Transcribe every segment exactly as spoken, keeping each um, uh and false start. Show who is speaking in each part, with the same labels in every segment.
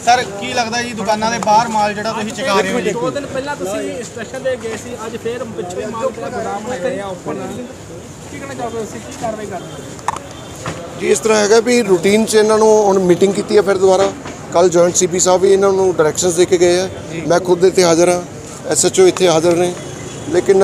Speaker 1: Sir ਕੀ ਲੱਗਦਾ ਜੀ ਦੁਕਾਨਾਂ ਦੇ ਬਾਹਰ ਮਾਲ ਜਿਹੜਾ ਤੁਸੀਂ ਚੁਕਾ ਰਹੇ ਹੋ ਜੀ?
Speaker 2: ਦੋ ਦਿਨ ਪਹਿਲਾਂ ਤੁਸੀਂ ਇੰਸਟ੍ਰਕਸ਼ਨ ਦੇ ਗਏ ਸੀ, ਅੱਜ ਫੇਰ ਪਿੱਛੇ ਮਾਲ ਜਿਹੜਾ ਗੋਦਾਮ ਬਣਾਇਆ ਰਿਹਾ ਓਪਨ, ਕੀ ਕਹਿਣਾ ਚਾਹੋਗੇ ਤੁਸੀਂ, ਕੀ ਕਾਰਵਾਈ ਕਰਨੀ?
Speaker 3: ਜੀ ਇਸ ਤਰ੍ਹਾਂ ਹੈਗਾ ਵੀ ਰੂਟੀਨ 'ਚ ਇਹਨਾਂ ਨੂੰ ਹੁਣ ਮੀਟਿੰਗ ਕੀਤੀ ਹੈ ਫਿਰ ਦੁਬਾਰਾ। ਕੱਲ ਜੁਆਇੰਟ ਸੀਪੀ ਸਾਹਿਬ ਵੀ ਇਹਨਾਂ ਨੂੰ ਡਾਇਰੈਕਸ਼ਨਸ ਦੇ ਕੇ ਗਏ ਆ, ਮੈਂ ਖੁਦ ਇੱਥੇ ਹਾਜ਼ਰ ਹਾਂ, ਐਸਐਚਓ ਇੱਥੇ ਹਾਜ਼ਰ ਨੇ। ਲੇਕਿਨ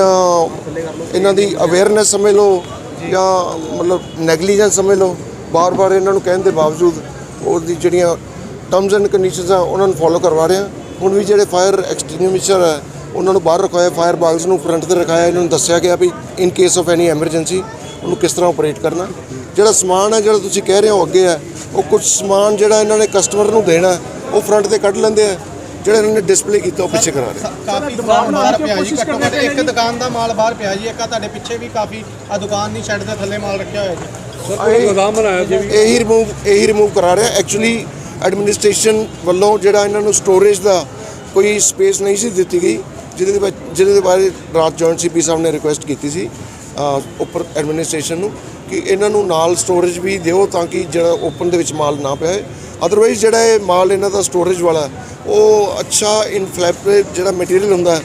Speaker 3: ਇਹਨਾਂ ਦੀ ਅਵੇਅਰਨੈਸ ਸਮਝ ਲਓ ਜਾਂ ਮਤਲਬ ਨੈਗਲੀਜੈਂਸ ਸਮਝ ਲਓ, ਬਾਰ-ਬਾਰ ਇਹਨਾਂ ਨੂੰ ਕਹਿਣ ਦੇ ਬਾਵਜੂਦ ਉਹਦੀ ਜਿਹੜੀਆਂ ਟਰਮਸ ਐਂਡ ਕੰਡੀਸ਼ਨਸ ਆ ਉਹਨਾਂ ਨੂੰ ਫੋਲੋ ਕਰਵਾ ਰਹੇ ਹਾਂ। ਹੁਣ ਵੀ ਜਿਹੜੇ ਫਾਇਰ ਐਕਸਟਿੰਗੁਇਸ਼ਰ ਹੈ ਉਹਨਾਂ ਨੂੰ ਬਾਹਰ ਰਖਵਾਇਆ, ਫਾਇਰ ਬਾਗਸ ਨੂੰ ਫਰੰਟ 'ਤੇ ਰਖਾਇਆ, ਇਹਨਾਂ ਨੂੰ ਦੱਸਿਆ ਗਿਆ ਵੀ in case of any emergency ਉਹਨੂੰ ਕਿਸ ਤਰ੍ਹਾਂ ਆਪਰੇਟ ਕਰਨਾ। ਜਿਹੜਾ ਸਮਾਨ ਹੈ ਜਿਹੜਾ ਤੁਸੀਂ ਕਹਿ ਰਹੇ ਹੋ ਅੱਗੇ ਹੈ, ਉਹ ਕੁਝ ਸਮਾਨ ਜਿਹੜਾ ਇਹਨਾਂ ਨੇ ਕਸਟਮਰ ਨੂੰ ਦੇਣਾ ਉਹ ਫਰੰਟ 'ਤੇ ਕੱਢ ਲੈਂਦੇ ਆ, ਜਿਹੜਾ ਇਹਨਾਂ ਨੇ ਡਿਸਪਲੇ ਕੀਤਾ ਉਹ ਪਿੱਛੇ ਕਰਾ ਰਹੇ।
Speaker 1: ਕਾਫੀ ਸਮਾਨ ਬਾਹਰ ਪਿਆ ਜੀ, ਘੱਟੋ ਘੱਟ ਇੱਕ ਦੁਕਾਨ ਦਾ ਮਾਲ ਬਾਹਰ ਪਿਆ ਜੀ, ਇੱਕ ਆ ਤੁਹਾਡੇ ਪਿੱਛੇ ਵੀ ਕਾਫੀ ਆ ਦੁਕਾਨ ਦੀ ਸ਼ੈੱਡ ਦੇ ਥੱਲੇ ਮਾਲ ਰੱਖਿਆ ਹੋਇਆ ਜੀ।
Speaker 3: ਗੋਦਾਮ ਬਣਾਇਆ ਜੀ, ਇਹੀ ਰਿਮੂਵ ਇਹੀ ਰਿਮੂਵ ਕਰਾ ਰਿਹਾ। ਐਕਚੁਅਲੀ ਐਡਮਿਨਿਸਟ੍ਰੇਸ਼ਨ ਵੱਲੋਂ ਜਿਹੜਾ ਇਹਨਾਂ ਨੂੰ ਸਟੋਰੇਜ ਦਾ ਕੋਈ ਸਪੇਸ ਨਹੀਂ ਸੀ ਦਿੱਤੀ ਗਈ, ਜਿਹਦੇ ਦੇ ਵਿੱਚ ਜਿਹਦੇ ਦੇ ਬਾਰੇ ਰਾਤ ਜੁਆਇੰਟ ਸੀਪੀ ਸਾਹਿਬ ਨੇ ਰਿਕੁਐਸਟ ਕੀਤੀ ਸੀ ਉੱਪਰ ਐਡਮਿਨਿਸਟ੍ਰੇਸ਼ਨ ਨੂੰ ਕਿ ਇਹਨਾਂ ਨੂੰ ਨਾਲ ਸਟੋਰੇਜ ਵੀ ਦਿਓ ਤਾਂ ਕਿ ਜਿਹੜਾ ਓਪਨ ਦੇ ਵਿੱਚ ਮਾਲ ਨਾ ਪਿਆ। ਅਦਰਵਾਈਜ਼ ਜਿਹੜਾ ਇਹ ਮਾਲ ਇਹਨਾਂ ਦਾ ਸਟੋਰੇਜ ਵਾਲਾ ਉਹ ਅੱਛਾ ਇਨਫਲੈਮੇਬਲ ਜਿਹੜਾ ਮਟੀਰੀਅਲ ਹੁੰਦਾ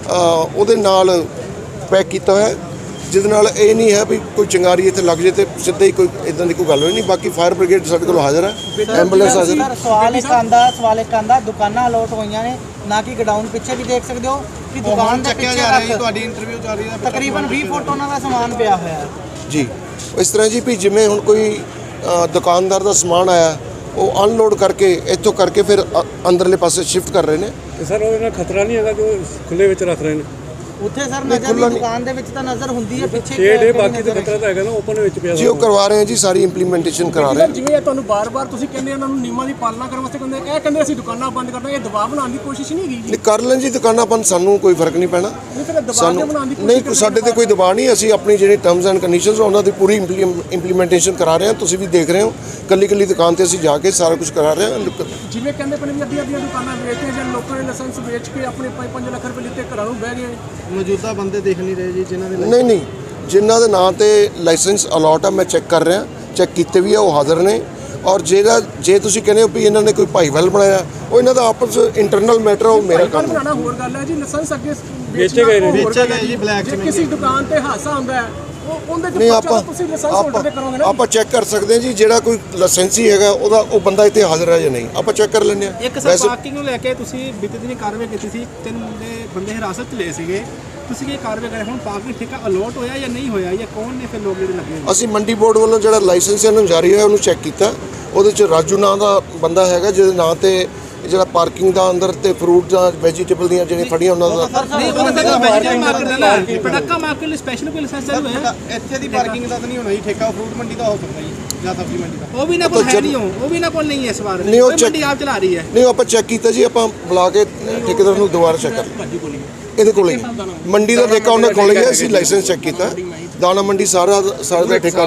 Speaker 3: ਉਹਦੇ ਨਾਲ ਪੈਕ ਕੀਤਾ ਹੋਇਆ, ਜਿਹਦੇ ਨਾਲ ਇਹ ਨਹੀਂ ਹੈ ਵੀ ਕੋਈ ਚਿੰਗਾਰੀ ਇੱਥੇ ਲੱਗ ਜੇ ਤੇ ਸਿੱਧਾ ਹੀ ਕੋਈ ਇਦਾਂ ਦੀ ਕੋਈ ਗੱਲ ਹੋਈ ਨਹੀਂ। ਬਾਕੀ ਫਾਇਰ ਬ੍ਰਿਗੇਡ ਸਾਡੇ ਕੋਲ ਹਾਜ਼ਰ ਹੈ, ਐਂਬੂਲੈਂਸ ਹਾਜ਼ਰ ਹੈ।
Speaker 4: ਸਵਾਲ ਇੱਕ ਆਂਦਾ ਸਵਾਲ ਇੱਕ ਆਂਦਾ ਦੁਕਾਨਾਂ ਅਲੋਟ ਹੋਈਆਂ ਨੇ ਨਾ ਕਿ ਗਡਾਊਨ, ਪਿੱਛੇ ਵੀ ਦੇਖ ਸਕਦੇ ਹੋ ਕਿ ਦੁਕਾਨ ਦੇ ਪਿੱਛੇ
Speaker 1: ਜਾ ਰਹੀ ਤੁਹਾਡੀ ਇੰਟਰਵਿਊ ਚੱਲ ਰਹੀ ਹੈ,
Speaker 4: ਤਕਰੀਬਨ ਵੀਹ ਫੁੱਟ ਉਹਨਾਂ ਦਾ ਸਮਾਨ ਪਿਆ ਹੋਇਆ ਹੈ
Speaker 3: ਜੀ। ਇਸ ਤਰ੍ਹਾਂ ਜੀ ਵੀ ਜਿਵੇਂ ਹੁਣ ਕੋਈ ਦੁਕਾਨਦਾਰ ਦਾ ਸਮਾਨ ਆਇਆ ਉਹ ਅਨਲੋਡ ਕਰਕੇ ਇੱਥੋਂ ਕਰਕੇ ਫਿਰ ਅੰਦਰਲੇ ਪਾਸੇ ਸ਼ਿਫਟ ਕਰ ਰਹੇ ਨੇ।
Speaker 5: ਤੇ ਸਰ ਉਹਦੇ ਨਾਲ ਖਤਰਾ ਨਹੀਂ ਹੈਗਾ ਕਿ ਖੁੱਲੇ ਵਿੱਚ ਰੱਖ ਰਹੇ ਨੇ
Speaker 4: ਉੱਥੇ? ਸਰ ਨਜ਼ਰ ਦੀ ਦੁਕਾਨ ਦੇ ਵਿੱਚ ਤਾਂ ਨਜ਼ਰ ਹੁੰਦੀ ਹੈ, ਪਿੱਛੇ
Speaker 5: ਛੇ ਡੇ ਬਾਕੀ ਤੇ ਖਤਰਾ ਤਾਂ ਹੈਗਾ ਨਾ ਓਪਨ ਵਿੱਚ ਪਿਆ
Speaker 3: ਜੀ। ਉਹ ਕਰਵਾ ਰਹੇ ਹਾਂ ਜੀ, ਸਾਰੀ ਇੰਪਲੀਮੈਂਟੇਸ਼ਨ ਕਰਾ ਰਹੇ ਹਾਂ।
Speaker 2: ਜਿਵੇਂ ਤੁਹਾਨੂੰ ਬਾਰ-ਬਾਰ ਤੁਸੀਂ ਕਹਿੰਦੇ ਉਹਨਾਂ ਨੂੰ ਨਿਯਮਾਂ ਦੀ ਪਾਲਣਾ ਕਰਨ ਵਾਸਤੇ ਕਹਿੰਦੇ, ਇਹ ਕਹਿੰਦੇ ਅਸੀਂ ਦੁਕਾਨਾਂ ਬੰਦ ਕਰਨਾ, ਇਹ ਦਬਾਅ ਬਣਾਉਣ ਦੀ ਕੋਸ਼ਿਸ਼ ਨਹੀਂ ਹੈਗੀ ਜੀ?
Speaker 3: ਕਰ ਲੈਣ ਜੀ ਦੁਕਾਨਾਂ ਬੰਦ, ਸਾਨੂੰ ਕੋਈ ਫਰਕ ਨਹੀਂ ਪੈਣਾ। ਸਾਨੂੰ ਨਹੀਂ, ਸਾਡੇ ਤੇ ਕੋਈ ਦਬਾਅ ਨਹੀਂ। ਅਸੀਂ ਆਪਣੀ ਜਿਹੜੀ ਟਰਮਸ ਐਂਡ ਕੰਡੀਸ਼ਨਸ ਉਹਨਾਂ ਦੀ ਪੂਰੀ ਇੰਪਲੀਮੈਂਟੇਸ਼ਨ ਕਰਾ ਰਹੇ ਹਾਂ। ਤੁਸੀਂ ਵੀ ਦੇਖ ਰਹੇ ਹੋ ਕੱਲੀ ਕੱਲੀ ਦੁਕਾਨ ਤੇ ਅਸੀਂ ਜਾ ਕੇ ਸਾਰਾ ਕੁਝ ਕਰਾ ਰਹੇ ਹਾਂ।
Speaker 2: ਜਿਵੇਂ ਕਹਿੰਦੇ ਪਏ ਨੇ ਅੱਧੀਆਂ ਅੱਧੀਆਂ ਦੁਕਾਨਾਂ ਵੇਚਦੇ ਜਾਂ ਲੋਕਾਂ ਨੇ ਲਾਇਸੈਂਸ ਵੇਚ ਕੇ ਆਪਣੇ ਪੰਜ ਲੱਖ ਰੁਪਏ ਲਿੱਤੇ ਘਰਾਂ ਨੂੰ ਬਹਿ ਗਏ।
Speaker 1: ਮੌਜੂਦਾ ਬੰਦੇ ਦੇਖ ਨਹੀਂ ਰਹੇ ਜੀ ਜਿਨ੍ਹਾਂ ਦੇ
Speaker 3: ਨਹੀਂ ਨਹੀਂ ਜਿਨ੍ਹਾਂ ਦੇ ਨਾਂ ਤੇ ਲਾਇਸੈਂਸ ਅਲਾਟ ਆ, ਮੈਂ ਚੈੱਕ ਕਰ ਰਿਹਾ, ਚੈੱਕ ਕੀਤੇ ਵੀ ਆ, ਉਹ ਹਾਜ਼ਰ ਨੇ। ਔਰ ਜਿਹੜਾ ਜੇ ਤੁਸੀਂ ਕਹਿੰਦੇ ਹੋ ਵੀ ਇਹਨਾਂ ਨੇ ਕੋਈ ਭਾਈਵਾਲ ਬਣਾਇਆ, ਉਹ ਇਹਨਾਂ ਦਾ ਆਪਸ ਇੰਟਰਨਲ ਮੈਟਰ, ਉਹ ਮੇਰਾ ਕੰਮ
Speaker 2: ਬਣਾਉਣਾ ਹੋਰ ਗੱਲ ਹੈ ਜੀ। ਲਾਇਸੈਂਸ ਅੱਗੇ
Speaker 5: ਵੇਚੇ ਗਏ ਨੇ,
Speaker 1: ਵੇਚੇ ਗਏ ਜੀ ਬਲੈਕ ਚ।
Speaker 2: ਕਿਸੇ ਦੁਕਾਨ ਤੇ ਹਾਦਸਾ ਹੁੰਦਾ ਹੈ ਉਹਦੇ
Speaker 3: ਨਹੀਂ, ਆਪਾਂ
Speaker 2: ਤੁਸੀਂ ਲਾਇਸੈਂਸ ਹੋਲਡਰ ਕਰੋਗੇ ਨਾ।
Speaker 3: ਆਪਾਂ ਚੈੱਕ ਕਰ ਸਕਦੇ ਹਾਂ ਜੀ, ਜਿਹੜਾ ਕੋਈ ਲਾਇਸੈਂਸੀ ਹੈਗਾ ਉਹਦਾ ਉਹ ਬੰਦਾ ਇੱਥੇ ਹਾਜ਼ਰ ਹੈ ਜਾਂ ਨਹੀਂ, ਆਪਾਂ ਚੈੱਕ ਕਰ ਲੈਂਦੇ ਹਾਂ।
Speaker 2: ਇੱਕ ਸਰ ਪਾਰਕਿੰਗ ਨੂੰ ਲੈ ਕੇ ਤੁਸੀਂ ਬੀਤੇ ਦਿਨੀ ਕਾਰਵਾਈ ਕੀਤੀ ਸੀ, ਤਿੰਨ ਬੰਦੇ ਬੰਦੇ ਹਿਰਾਸਤ 'ਚ ਲਏ ਸੀਗੇ, ਤੁਸੀਂ ਕੀ ਕਾਰਵਾਈ ਕਰੇ? ਹੁਣ ਪਾਰਕਿੰਗ ਠੇਕਾ ਅਲੋਟ ਹੋਇਆ ਜਾਂ ਨਹੀਂ ਹੋਇਆ, ਜਾਂ ਕੌਣ ਨੇ ਫਿਰ ਲੋਕ ਜਿਹੜੇ ਲੱਗੇ?
Speaker 3: ਅਸੀਂ ਮੰਡੀ ਬੋਰਡ ਵੱਲੋਂ ਜਿਹੜਾ ਲਾਇਸੈਂਸ ਇਹਨਾਂ ਨੂੰ ਜਾਰੀ ਹੋਇਆ ਉਹਨੂੰ ਚੈੱਕ ਕੀਤਾ। ਉਹਦੇ 'ਚ ਰਾਜੂ ਨਾਂ ਦਾ ਬੰਦਾ ਹੈਗਾ, ਜਿਹਦੇ ਨਾਂ ਤੇ ਜਿਹੜਾ ਪਾਰਕਿੰਗ ਦਾ ਅੰਦਰ ਤੇ ਫਰੂਟ ਜਾਂ ਵੈਜੀਟੇਬਲ ਦੀਆਂ ਜਿਹੜੀਆਂ ਫੜੀਆਂ ਉਹਨਾਂ ਦਾ
Speaker 2: ਨਹੀਂ, ਉਹਨਾਂ ਦਾ ਵੈਜੀਟੇਬਲ ਮਾਰਕੀਟ ਦਾ ਨਾ ਪਟਾਕਾ ਮਾਰਕੀਟ ਲਈ ਸਪੈਸ਼ਲ ਕੋਈ ਲਾਇਸੈਂਸ ਚਾਲੂ ਹੈ?
Speaker 1: ਇੱਥੇ ਦੀ ਪਾਰਕਿੰਗ ਦਾ ਤਾਂ ਨਹੀਂ ਹੋਣਾ ਜੀ, ਠੇਕਾ ਫਰੂਟ ਮੰਡੀ ਦਾ ਹੋ ਸਕਦਾ ਜੀ ਜਾਂ ਸਬਜ਼ੀ ਮੰਡੀ ਦਾ।
Speaker 2: ਉਹ ਵੀ ਨਾ ਕੋਲ ਹੈ ਨਹੀਂ, ਉਹ ਵੀ ਨਾ ਕੋਲ ਨਹੀਂ ਹੈ ਇਸ ਵਾਰ,
Speaker 3: ਨਹੀਂ, ਉਹ
Speaker 2: ਮੰਡੀ ਆਪ ਚਲਾ ਰਹੀ ਹੈ।
Speaker 3: ਨਹੀਂ, ਆਪਾਂ ਚੈੱਕ ਕੀਤਾ ਜੀ, ਆਪਾਂ ਬੁਲਾ ਕੇ ਠੇਕੇਦਾਰ ਨੂੰ ਦੁਬਾਰਾ ਚੈੱਕ ਕਰ ਇਹਦੇ ਕੋਲ ਹੀ ਮੰਡੀ ਦਾ ਠੇਕਾ ਉਹਨਾਂ ਕੋਲ ਹੀ ਹੈ। ਅਸੀਂ ਲਾਇਸੈਂਸ ਚੈੱਕ ਕੀਤਾ, ਦਾਣਾ ਮੰਡੀ ਸਾਰਾ ਸਾਰਾ ਦਾ ਠੇਕਾ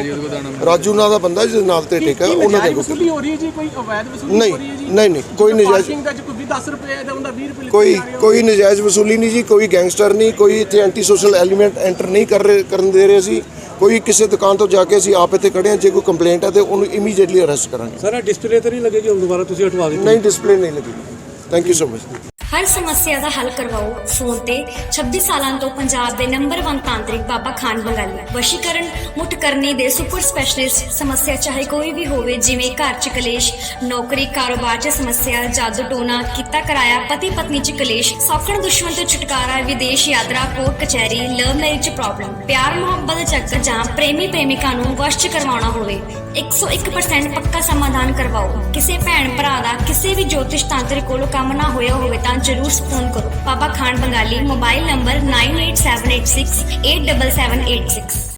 Speaker 3: ਰਾਜੂ ਨਾਂ ਦਾ ਬੰਦਾ ਜਿਹਦੇ ਨਾਲ ਤੇ ਠੇਕਾ ਉਹਨਾਂ ਦੇ
Speaker 2: ਵਸੂਲੀ ਹੋ ਰਹੀ ਹੈ ਜੀ, ਕੋਈ ਅਵੈਧ ਵਸੂਲੀ
Speaker 3: ਨਹੀਂ
Speaker 2: ਹੋ ਰਹੀ ਹੈ ਜੀ?
Speaker 3: ਨਹੀਂ ਨਹੀਂ ਕੋਈ ਨਜਾਇਜ਼
Speaker 2: ਕੋਈ ਦਸ ਰੁਪਏ ਦਾ ਹੁੰਦਾ, ਵੀਹ ਰੁਪਏ
Speaker 3: ਕੋਈ ਕੋਈ ਨਜਾਇਜ਼ ਵਸੂਲੀ ਨਹੀਂ ਜੀ, ਕੋਈ ਗੈਂਗਸਟਰ ਨਹੀਂ, ਕੋਈ ਇੱਥੇ ਐਂਟੀ ਸੋਸ਼ਲ ਐਲੀਮੈਂਟ ਐਂਟਰ ਨਹੀਂ ਕਰ ਰਹੇ ਕਰਨ ਦੇ ਰਹੇ ਸੀ। ਕੋਈ ਕਿਸੇ ਦੁਕਾਨ ਤੋਂ ਜਾ ਕੇ ਅਸੀਂ ਆਪ ਇੱਥੇ ਖੜੇ ਹਾਂ, ਜੇ ਕੋਈ ਕੰਪਲੇਂਟ ਹੈ ਤੇ ਉਹਨੂੰ ਇਮੀਡੀਏਟਲੀ ਅਰੈਸਟ ਕਰਾਂਗੇ।
Speaker 5: ਸਰ ਡਿਸਪਲੇ ਤਾਂ ਨਹੀਂ ਲੱਗੇਗੀ ਹੁਣ ਦੁਬਾਰਾ ਤੁਸੀਂ ਹਟਵਾ ਦਿੱਤੀ?
Speaker 3: ਨਹੀਂ, ਡਿਸਪਲੇ ਨਹੀਂ ਲੱਗੀ। Thank you so much.
Speaker 6: ਹਰ ਸਮੱਸਿਆ ਦਾ ਹੱਲ ਕਰਵਾਓ ਫੋਨ ਤੇ। ਛੱਬੀ ਸਾਲਾਂ ਤੋਂ ਪੰਜਾਬ ਦੇ ਨੰਬਰ ਇੱਕ ਤਾਂਤਰਿਕ ਬਾਬਾ ਖਾਨ ਬੰਗਾਲੀ। ਵਸ਼ੀਕਰਨ ਮੁੱਠ ਕਰਨੀ ਦੇ ਸੁਪਰ ਸਪੈਸ਼ਲਿਸਟ। ਸਮੱਸਿਆ ਚਾਹੇ ਕੋਈ ਵੀ ਹੋਵੇ, ਜਿਵੇਂ ਘਰ ਚ ਕਲੇਸ਼, ਨੌਕਰੀ ਕਾਰੋਬਾਰ ਚ ਸਮੱਸਿਆ, ਜਾਦੂ ਟੋਨਾ, ਕੀਤਾ ਕਰਾਇਆ, ਪਤੀ ਪਤਨੀ ਚ ਕਲੇਸ਼, ਸੌਖਣ ਦੁਸ਼ਮਣ ਤੋਂ ਛੁਟਕਾਰਾ, ਵਿਦੇਸ਼ ਯਾਤਰਾ, ਕੋਰਟ ਕਚਹਿਰੀ, ਲਵ ਮੈਰਿਜ ਪ੍ਰੋਬਲਮ, ਪਿਆਰ ਮੁਹੱਬਤ ਚੱਕਰ ਜਾਂ ਪ੍ਰੇਮੀ ਪ੍ਰੇਮਿਕਾ ਨੂੰ ਵਸ਼ ਚ ਕਰਵਾਉਣਾ ਹੋਵੇ, ਇੱਕ ਸੌ ਇੱਕ ਪਰਸੈਂਟ ਪੱਕਾ ਸਮਾਧਾਨ ਕਰਵਾਓ। ਕਿਸੇ ਭੈਣ ਭਰਾ ਦਾ ਕਿਸੇ ਵੀ ਜੋਤਿਸ਼ ਤਾਂਤਰਿਕ ਕੋਲੋਂ ਕੰਮ ਨਾ ਹੋਇਆ ਹੋਵੇ ਤਾਂ ਜ਼ਰੂਰ ਫੋਨ ਕਰੋ। Baba Khan Bengali. Mobile number nine eight seven eight six eight seven seven eight six.